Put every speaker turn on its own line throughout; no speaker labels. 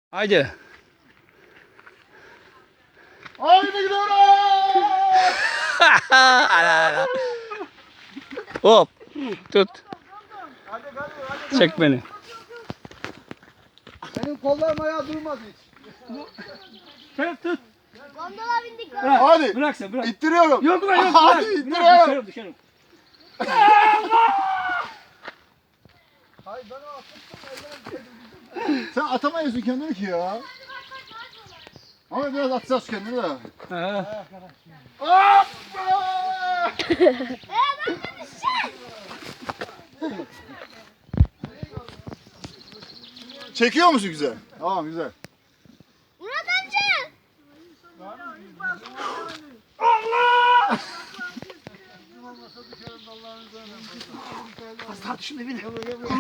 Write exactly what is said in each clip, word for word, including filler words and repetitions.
Haydi.
Haydi gidiyoruz.
Ala, ala. Hop. Tut.
Hadi hadi hadi.
Çek beni.
Benim kollarım ayağı durmaz hiç.
Tut tut.
Gondola bindik.
Bırak.
Hadi.
Bırak sen bırak.
İttiriyorum.
Yok lan yok.
Hadi
Bırak.
ittiriyorum.
Bırak dışarı dışarı.
Hayır ben o atmıştım. Sen atamayıyorsun kendini ki ya. Ama biraz atacağız kendini de.
Ha.
Hoppa! Çekiyor musun güzel? Tamam güzel.
Murat amca.
Hasta şunu bir.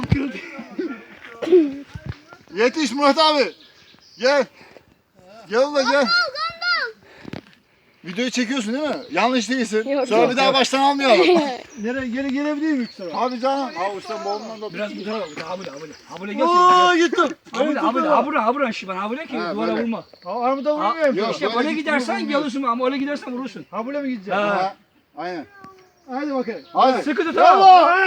Yetiş Murat abi. Gel. Gel ulan gel.
Gondol gondol.
Videoyu çekiyorsun değil mi? Yanlış değilsin.
Yok,
Sonra
yok,
bir daha baştan almayalım.
Nereye geri gelebilir miyim sonra?
Abi canım. Avuçtan boğulundan da.
Biraz bu tarafa. Habule habule. Habule
Aa
gelsin.
gittim.
Habule habule habule habule şiban habule ki
Ha,
duvara
böyle.
vurma.
Armuda
Ha,
vurmuyorum.
yok.
İşte
böyle
öyle
gittim,
gidersen
vurmuyor.
gelirsin ama öyle gidersen vurursun.
Ha buraya mı gideceğim?
Ha.
Ha, aynen.
Hadi bakayım.
Hadi.
Sıkı tut
Bravo.
ha.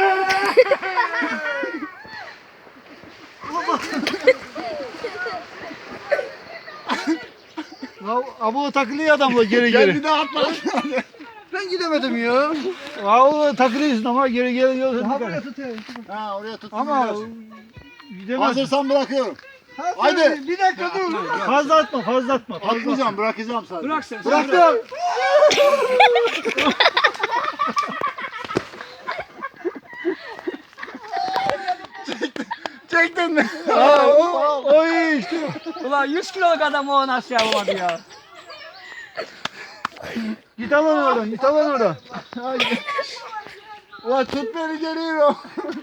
Ya abu takılıyor adamla geri
Gel
geri.
bir daha atma.
Ben gidemedim ya. Abu takılıyorsun ama geri geri geliyorsun. Ha buraya tutayım.
Ha oraya tut.
Ama gidemezsin.
Hazırsan bırakıyorum.
Ha,
Hadi.
Bir dakika dur.
Atma, ya.
Fazla atma fazla atma. Fazla atma.
Atmayacağım, bırakacağım sadece.
Bırak sen. sen bırak.
Bıraktım.
Çektin mi?
Ha, o, o iyi işte.
Ulan yüz kiloluk adam o nasıl yapamadı ya?
Git al onu oradan. Git al onu oradan.
Ulan tut beni geliyorum.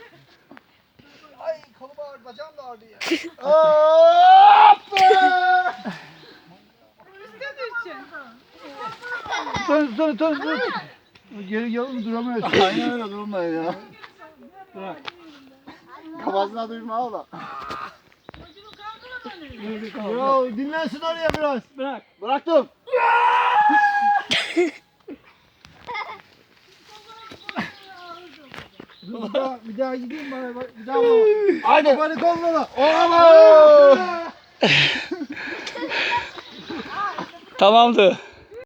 Ay kolum ağrıdı. Bacağım da ağrıdı ya.
Hoppa!
Tut tut tut tut. Geri gel duramıyorsun.
Aynen öyle durmayın ya.
Bırak.
Kafasına duyma ağla.
Ya dinlensin oraya biraz.
Bırak.
Bıraktım.
Bir daha, bir daha gideyim bana. bak- Bir daha bana.
Hadi.
Beni kollama.
Oğlum!
Tamamdı.